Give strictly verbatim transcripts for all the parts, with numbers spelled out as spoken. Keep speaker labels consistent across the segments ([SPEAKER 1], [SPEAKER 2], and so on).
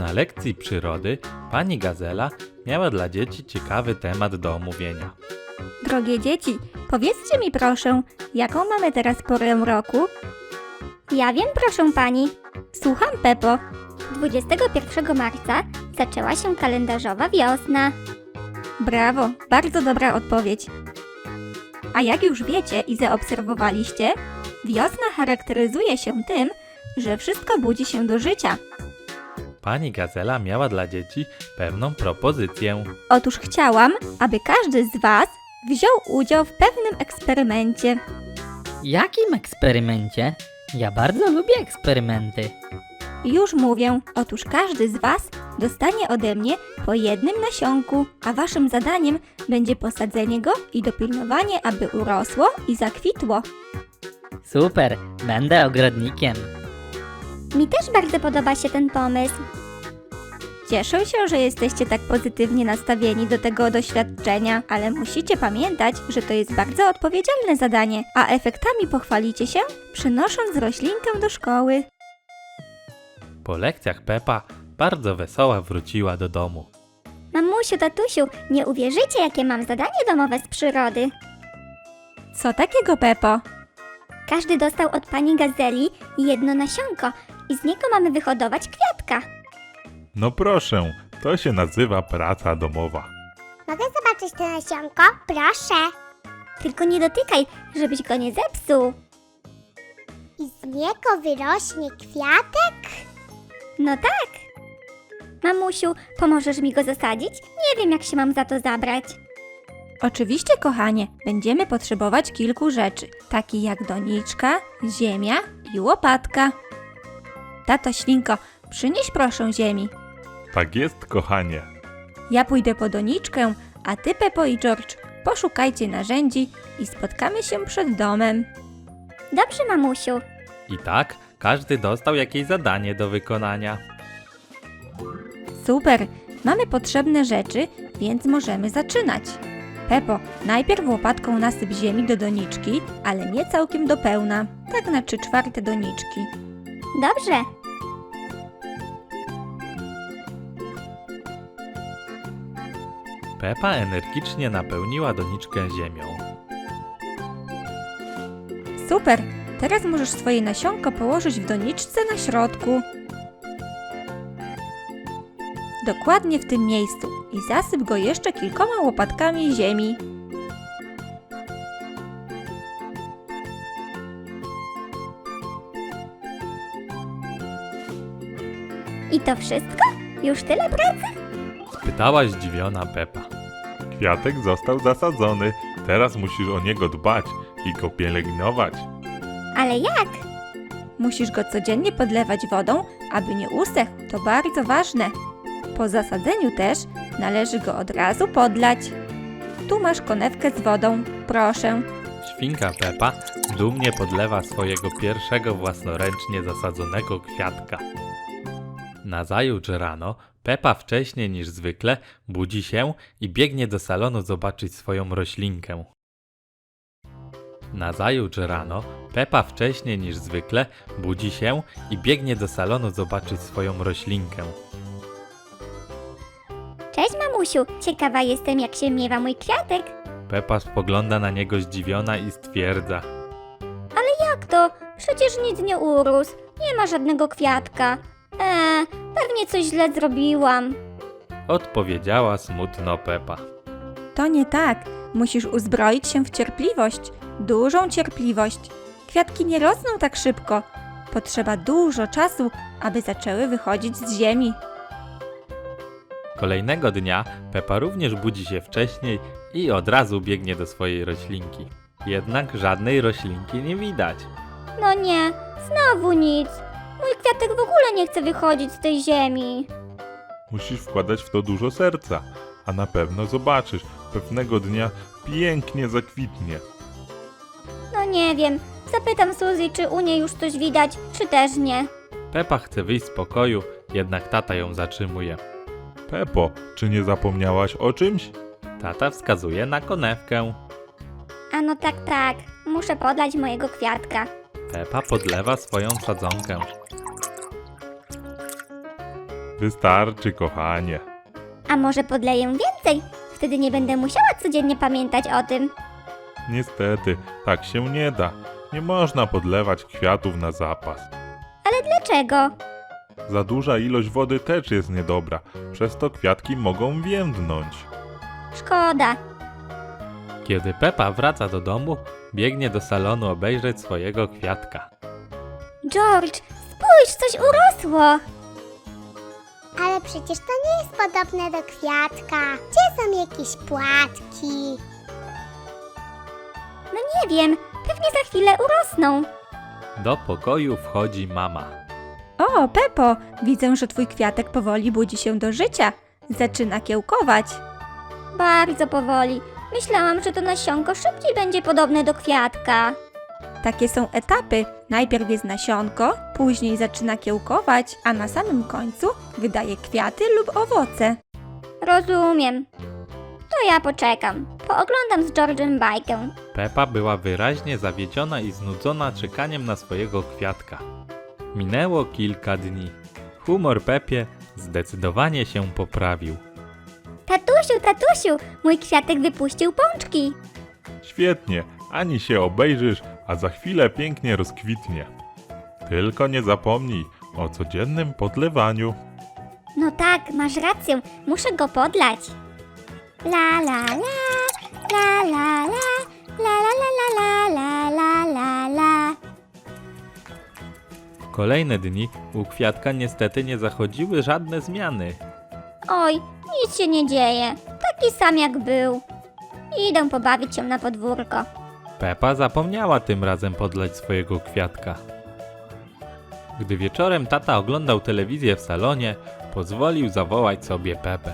[SPEAKER 1] Na lekcji przyrody pani Gazela miała dla dzieci ciekawy temat do omówienia.
[SPEAKER 2] Drogie dzieci, powiedzcie mi proszę, jaką mamy teraz porę roku?
[SPEAKER 3] Ja wiem, proszę pani.
[SPEAKER 2] Słucham, Pepo.
[SPEAKER 3] dwudziestego pierwszego marca zaczęła się kalendarzowa wiosna.
[SPEAKER 2] Brawo, bardzo dobra odpowiedź. A jak już wiecie i zaobserwowaliście, wiosna charakteryzuje się tym, że wszystko budzi się do życia.
[SPEAKER 1] Pani Gazela miała dla dzieci pewną propozycję.
[SPEAKER 2] Otóż chciałam, aby każdy z Was wziął udział w pewnym eksperymencie.
[SPEAKER 4] Jakim eksperymencie? Ja bardzo lubię eksperymenty.
[SPEAKER 2] Już mówię, otóż każdy z Was dostanie ode mnie po jednym nasionku, a Waszym zadaniem będzie posadzenie go i dopilnowanie, aby urosło i zakwitło.
[SPEAKER 4] Super, będę ogrodnikiem.
[SPEAKER 3] Mi też bardzo podoba się ten pomysł.
[SPEAKER 2] Cieszę się, że jesteście tak pozytywnie nastawieni do tego doświadczenia, ale musicie pamiętać, że to jest bardzo odpowiedzialne zadanie, a efektami pochwalicie się, przynosząc roślinkę do szkoły.
[SPEAKER 1] Po lekcjach Pepa bardzo wesoła wróciła do domu.
[SPEAKER 3] Mamusiu, tatusiu, nie uwierzycie, jakie mam zadanie domowe z przyrody.
[SPEAKER 2] Co takiego, Pepo?
[SPEAKER 3] Każdy dostał od pani Gazeli jedno nasionko i z niego mamy wyhodować kwiatka.
[SPEAKER 5] No proszę, to się nazywa praca domowa.
[SPEAKER 3] Mogę zobaczyć to nasionko? Proszę. Tylko nie dotykaj, żebyś go nie zepsuł. I z niego wyrośnie kwiatek? No tak. Mamusiu, pomożesz mi go zasadzić? Nie wiem, jak się mam za to zabrać.
[SPEAKER 2] Oczywiście, kochanie, będziemy potrzebować kilku rzeczy, takich jak doniczka, ziemia i łopatka. Tato Świnko, przynieś proszę ziemi.
[SPEAKER 5] Tak jest, kochanie.
[SPEAKER 2] Ja pójdę po doniczkę, a ty, Pepo i George, poszukajcie narzędzi i spotkamy się przed domem.
[SPEAKER 3] Dobrze, mamusiu.
[SPEAKER 1] I tak każdy dostał jakieś zadanie do wykonania.
[SPEAKER 2] Super, mamy potrzebne rzeczy, więc możemy zaczynać. Pepo, najpierw łopatką nasyp ziemi do doniczki, ale nie całkiem do pełna, tak na trzy czwarte doniczki.
[SPEAKER 3] Dobrze.
[SPEAKER 1] Pepa energicznie napełniła doniczkę ziemią.
[SPEAKER 2] Super, teraz możesz swoje nasionko położyć w doniczce na środku. Dokładnie w tym miejscu i zasyp go jeszcze kilkoma łopatkami ziemi.
[SPEAKER 3] I to wszystko? Już tyle pracy?
[SPEAKER 1] Spytała zdziwiona Pepa.
[SPEAKER 5] Kwiatek został zasadzony, teraz musisz o niego dbać i go pielęgnować.
[SPEAKER 3] Ale jak?
[SPEAKER 2] Musisz go codziennie podlewać wodą, aby nie usechł, to bardzo ważne. Po zasadzeniu też należy go od razu podlać. Tu masz konewkę z wodą, proszę.
[SPEAKER 1] Świnka Pepa dumnie podlewa swojego pierwszego własnoręcznie zasadzonego kwiatka. Nazajutrz rano Pepa wcześniej niż zwykle budzi się i biegnie do salonu zobaczyć swoją roślinkę. Nazajutrz rano Pepa wcześniej niż zwykle budzi się i biegnie do salonu zobaczyć swoją roślinkę.
[SPEAKER 3] Cześć, mamusiu. Ciekawa jestem, jak się miewa mój kwiatek.
[SPEAKER 1] Pepa spogląda na niego zdziwiona i stwierdza.
[SPEAKER 3] Jak to? Przecież nic nie urósł. Nie ma żadnego kwiatka. Eee, pewnie coś źle zrobiłam.
[SPEAKER 1] Odpowiedziała smutno Pepa.
[SPEAKER 2] To nie tak. Musisz uzbroić się w cierpliwość, dużą cierpliwość. Kwiatki nie rosną tak szybko. Potrzeba dużo czasu, aby zaczęły wychodzić z ziemi.
[SPEAKER 1] Kolejnego dnia Pepa również budzi się wcześniej i od razu biegnie do swojej roślinki. Jednak żadnej roślinki nie widać.
[SPEAKER 3] No nie, znowu nic. Mój kwiatek w ogóle nie chce wychodzić z tej ziemi.
[SPEAKER 5] Musisz wkładać w to dużo serca, a na pewno zobaczysz, pewnego dnia pięknie zakwitnie.
[SPEAKER 3] No nie wiem. Zapytam Suzy, czy u niej już coś widać, czy też nie.
[SPEAKER 1] Pepa chce wyjść z pokoju, jednak tata ją zatrzymuje.
[SPEAKER 5] Pepo, czy nie zapomniałaś o czymś?
[SPEAKER 1] Tata wskazuje na konewkę.
[SPEAKER 3] A no tak, tak. Muszę podlać mojego kwiatka.
[SPEAKER 1] Pepa podlewa swoją sadzonkę.
[SPEAKER 5] Wystarczy, kochanie.
[SPEAKER 3] A może podleję więcej? Wtedy nie będę musiała codziennie pamiętać o tym.
[SPEAKER 5] Niestety, tak się nie da. Nie można podlewać kwiatów na zapas.
[SPEAKER 3] Ale dlaczego?
[SPEAKER 5] Za duża ilość wody też jest niedobra, przez to kwiatki mogą więdnąć.
[SPEAKER 3] Szkoda.
[SPEAKER 1] Kiedy Pepa wraca do domu, biegnie do salonu obejrzeć swojego kwiatka.
[SPEAKER 3] George, spójrz, coś urosło. Ale przecież to nie jest podobne do kwiatka. Gdzie są jakieś płatki? No nie wiem, pewnie za chwilę urosną.
[SPEAKER 1] Do pokoju wchodzi mama.
[SPEAKER 2] O, Pepo, widzę, że twój kwiatek powoli budzi się do życia. Zaczyna kiełkować.
[SPEAKER 3] Bardzo powoli. Myślałam, że to nasionko szybciej będzie podobne do kwiatka.
[SPEAKER 2] Takie są etapy. Najpierw jest nasionko, później zaczyna kiełkować, a na samym końcu wydaje kwiaty lub owoce.
[SPEAKER 3] Rozumiem. To ja poczekam. Pooglądam z George'em bajkę.
[SPEAKER 1] Pepa była wyraźnie zawiedziona i znudzona czekaniem na swojego kwiatka. Minęło kilka dni. Humor Pepie zdecydowanie się poprawił.
[SPEAKER 3] Tatusiu, tatusiu, mój kwiatek wypuścił pączki.
[SPEAKER 5] Świetnie, ani się obejrzysz, a za chwilę pięknie rozkwitnie. Tylko nie zapomnij o codziennym podlewaniu.
[SPEAKER 3] No tak, masz rację, muszę go podlać. La la la, la la la, la la la la la la la la.
[SPEAKER 1] Kolejne dni u kwiatka niestety nie zachodziły żadne zmiany.
[SPEAKER 3] Oj, nic się nie dzieje, taki sam jak był. Idę pobawić się na podwórko.
[SPEAKER 1] Pepa zapomniała tym razem podlać swojego kwiatka. Gdy wieczorem tata oglądał telewizję w salonie, pozwolił zawołać sobie Pepę.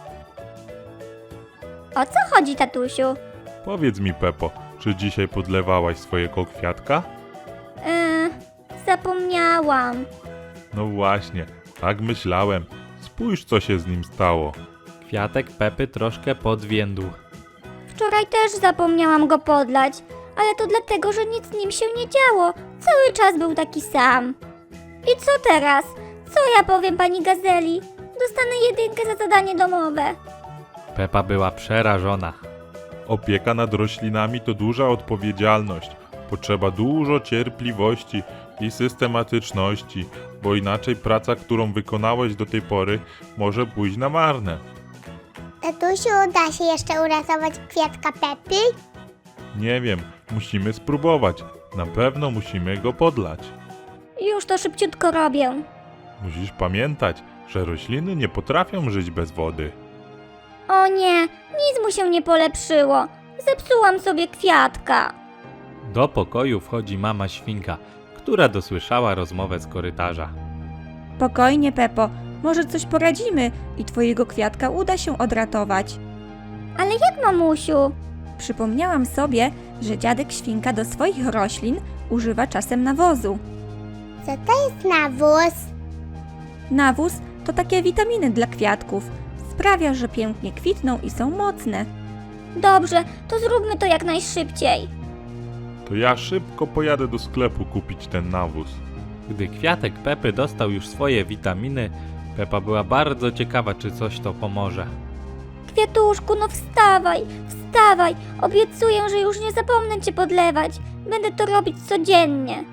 [SPEAKER 3] O co chodzi, tatusiu?
[SPEAKER 5] Powiedz mi, Pepo, czy dzisiaj podlewałaś swojego kwiatka?
[SPEAKER 3] Yy, zapomniałam.
[SPEAKER 5] No właśnie, tak myślałem. Spójrz, co się z nim stało.
[SPEAKER 1] Kwiatek Pepy troszkę podwiędł.
[SPEAKER 3] Wczoraj też zapomniałam go podlać, ale to dlatego, że nic z nim się nie działo. Cały czas był taki sam. I co teraz? Co ja powiem pani Gazeli? Dostanę jedynkę za zadanie domowe.
[SPEAKER 1] Pepa była przerażona.
[SPEAKER 5] Opieka nad roślinami to duża odpowiedzialność. Potrzeba dużo cierpliwości i systematyczności, bo inaczej praca, którą wykonałeś do tej pory, może pójść na marne.
[SPEAKER 3] Tatusiu, da się jeszcze uratować kwiatka Pepy?
[SPEAKER 5] Nie wiem, musimy spróbować. Na pewno musimy go podlać.
[SPEAKER 3] Już to szybciutko robię.
[SPEAKER 5] Musisz pamiętać, że rośliny nie potrafią żyć bez wody.
[SPEAKER 3] O nie, nic mu się nie polepszyło. Zepsułam sobie kwiatka.
[SPEAKER 1] Do pokoju wchodzi mama świnka, która dosłyszała rozmowę z korytarza.
[SPEAKER 2] Spokojnie, Pepo, może coś poradzimy i twojego kwiatka uda się odratować.
[SPEAKER 3] Ale jak, mamusiu?
[SPEAKER 2] Przypomniałam sobie, że dziadek świnka do swoich roślin używa czasem nawozu.
[SPEAKER 3] Co to jest nawóz?
[SPEAKER 2] Nawóz to takie witaminy dla kwiatków. Sprawia, że pięknie kwitną i są mocne.
[SPEAKER 3] Dobrze, to zróbmy to jak najszybciej.
[SPEAKER 5] To ja szybko pojadę do sklepu kupić ten nawóz.
[SPEAKER 1] Gdy kwiatek Pepy dostał już swoje witaminy, Pepa była bardzo ciekawa, czy coś to pomoże.
[SPEAKER 3] Kwiatuszku, no wstawaj, wstawaj. Obiecuję, że już nie zapomnę cię podlewać. Będę to robić codziennie.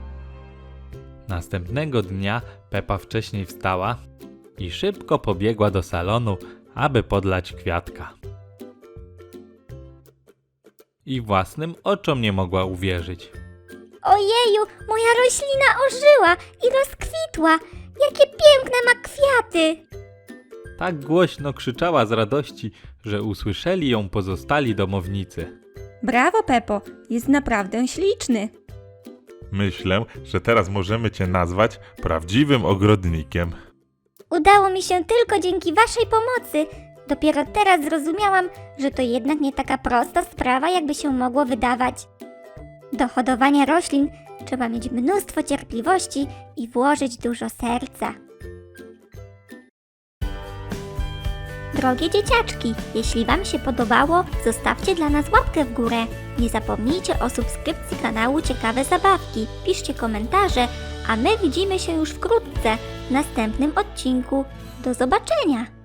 [SPEAKER 1] Następnego dnia Pepa wcześniej wstała i szybko pobiegła do salonu, aby podlać kwiatka. I własnym oczom nie mogła uwierzyć.
[SPEAKER 3] Ojeju, moja roślina ożyła i rozkwitła. Jakie piękne ma kwiaty.
[SPEAKER 1] Tak głośno krzyczała z radości, że usłyszeli ją pozostali domownicy.
[SPEAKER 2] Brawo, Pepo, jest naprawdę śliczny.
[SPEAKER 5] Myślę, że teraz możemy cię nazwać prawdziwym ogrodnikiem.
[SPEAKER 3] Udało mi się tylko dzięki waszej pomocy. Dopiero teraz zrozumiałam, że to jednak nie taka prosta sprawa, jakby się mogło wydawać. Do hodowania roślin trzeba mieć mnóstwo cierpliwości i włożyć dużo serca. Drogie dzieciaczki, jeśli Wam się podobało, zostawcie dla nas łapkę w górę. Nie zapomnijcie o subskrypcji kanału Ciekawe Zabawki. Piszcie komentarze, a my widzimy się już wkrótce w następnym odcinku. Do zobaczenia!